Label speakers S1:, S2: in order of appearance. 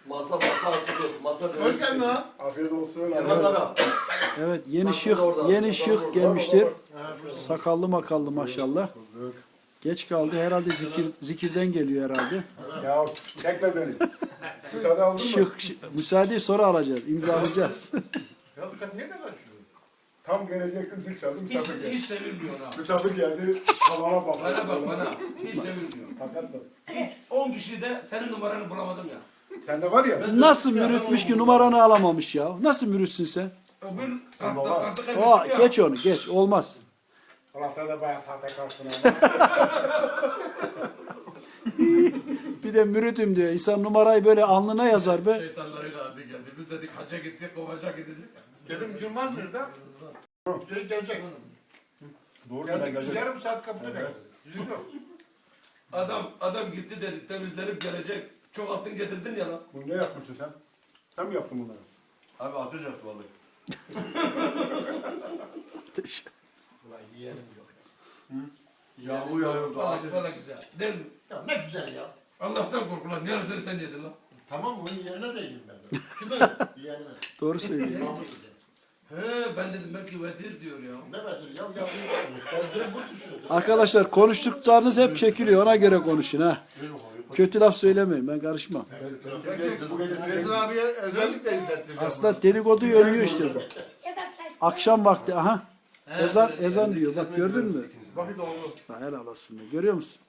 S1: Masa atılıyor. Masa
S2: Hoş geldin ha.
S3: Afiyet olsun.
S1: Yılmaz abi.
S4: Evet yeni
S1: Bak,
S4: şık
S1: orada,
S4: yeni
S1: bak,
S4: şık
S1: orada.
S4: gelmiştir.
S2: Ha, şurada.
S4: Sakallı makallı maşallah. Geç kaldı herhalde zikirden geliyor herhalde.
S3: Ya tekle beni. Müsaade aldın mı?
S4: Müsaadeyi sonra alacağız. İmzalayacağız.
S2: Ya sen nerede kaçıyorsun?
S3: Tam gelecektim zil çaldım misafir geldi.
S5: Hiç sevilmiyor ha.
S3: Misafir geldi. Tavana bak.
S5: Bana bak bana. Hiç sevilmiyor.
S3: Hakikat mi?
S5: 10 kişide senin numaranı bulamadım ya.
S3: Sende var ya.
S4: Nasıl mürütmüş ki numaranı alamamış ya? Nasıl mürütsün sen?
S5: Öbür
S3: Baba.
S5: kartı
S4: O
S5: kaybettim ya.
S4: geç onu geç olmaz.
S3: Allah sen de bayağı sahtekarsın ama.
S4: Bir de mürütüm diyor. İnsan numarayı böyle alnına yazar be.
S5: Şeytanlarıyla adı geldi. Biz dedik hacca gittik, kovacak gidecek.
S2: Dedim Yılmaz nerede? Şey gelecek.
S3: Doğru
S2: Yani
S3: ben gelecek.
S2: yarım saat kapıda bekliyor. Bizim yok.
S5: Adam gitti dedi temizlenip gelecek. Çok altın getirdin ya lan.
S3: Bunu ne yapmışsın sen? Sen mi yaptın bunları?
S1: Abi ateş yaptı vallahi.
S2: Ulan yiyelim yok.
S1: Yağmur yağıyordu.
S5: Valla güzel. Değil mi?
S2: Ya ne güzel ya.
S5: Allah'tan korku lan. Yarısını sen yedin lan.
S2: Tamam onun yerine de yiyeyim ben.
S5: Kime?
S2: Yeğenime.
S4: Doğru söylüyor.
S2: Mahmut yiyeceğim.
S5: He ben dedim belki vezir diyor ya.
S2: Ne verir ya? Ben bu düşüyorsun.
S4: Arkadaşlar konuştuklarınız hep çekiliyor. Ona göre konuşun ha. Kötü laf söylemeyin. Ben karışmam.
S1: Rezil abiye özellikle izlettireceğim.
S4: Aslında dedikoduyu önlüyor işte bu. Akşam vakti aha. Ezan diyor. Bak gördün mü?
S1: Vakit oldu.
S4: Ha, helal olsun be. Görüyor musun?